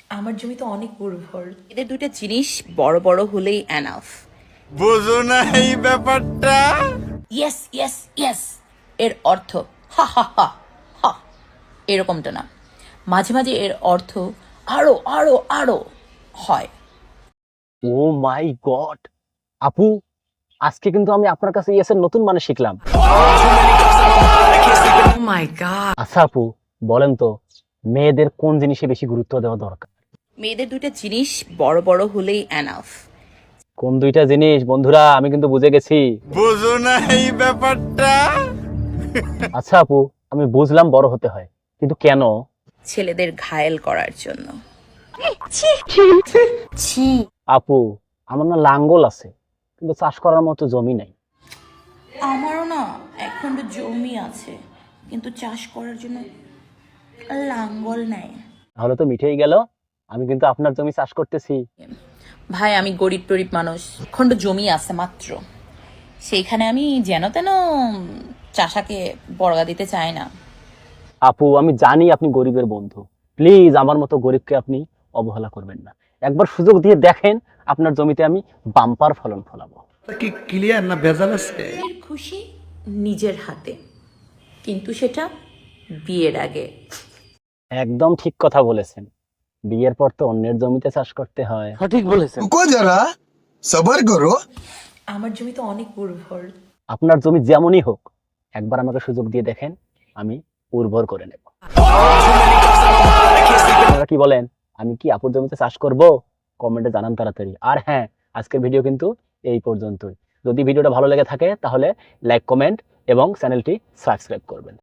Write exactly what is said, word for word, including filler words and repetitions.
আমার জমি তো অনেক উর্বর। এদের দুইটা জিনিস বড় বড় হলেই এনাফ। বুঝো না এই ব্যাপারটা? ইয়েস ইয়েস ইয়েস এর অর্থ হা হা হা হা, এরকমটা না। মাঝে মাঝে এর অর্থ আরো আরো আরো হয়। ও মাই গড, আপু আজকে কিন্তু আমি আপনার কাছে ইয়েসের নতুন মানে শিখলাম। Oh my God. আচ্ছা আপু, বলেন তো মেয়েদের কোন জিনিসে বেশি গুরুত্ব দেওয়া দরকার? মেয়েদের দুইটা জিনিস বড় বড় হলেই এনাফ। কোন দুইটা জিনিস বন্ধুরা? আমি কিন্তু বুঝে গেছি। বুঝো না এই ব্যাপারটা? আচ্ছা আপু, আমি বুঝলাম বড় হতে হয়, কিন্তু কেন? ছেলেদের ঘায়েল করার জন্য। আপু আমার না লাঙ্গল আছে, কিন্তু চাষ করার মতো জমি নাই। আমারও না এখন জমি আছে, কিন্তু চাষ করার জন্য লাঙ্গল নাই। তাহলে তো মিঠেই গেল, আমি কিন্তু আপনার জমি চাষ করতেছি। ভাই আমি গরিব টরিব মানুষ, খণ্ড জমি আছে মাত্র, সেইখানে আমি যেন তেন চাষাকে বর্গা দিতে চাই না। আপু আমি জানি আপনি গরিবের বন্ধু, প্লিজ আমার মতো গরিবকে আপনি অবহেলা করবেন না। একবার সুযোগ দিয়ে দেখেন, আপনার জমিতে আমি বাম্পার ফলন ফলাবো। কি ক্লিয়ার না ভেজাল আছে? নিজের খুশি নিজের হাতে, কিন্তু সেটা বিয়ের আগে। একদম ঠিক কথা বলেছেন, বিয়ের পর তো অন্যের জমিতে চাষ করতে হয়। সঠিক বলেছেন। रुको जरा सबर करो। আমার জমি তো অনেক উর্বর। আপনার জমি যেমনই হোক, একবার আমাকে সুযোগ দিয়ে দেখেন, আমি উর্বর করে নেব। আপনারা কি বলেন, আমি কি আপুর জমিতে চাষ করব? কমেন্টে জানান তাড়াতাড়ি। আর হ্যাঁ, আজকের ভিডিও কিন্তু এই পর্যন্তই। যদি ভিডিওটা ভালো লেগে থাকে তাহলে লাইক, কমেন্ট এবং চ্যানেলটি সাবস্ক্রাইব করবেন।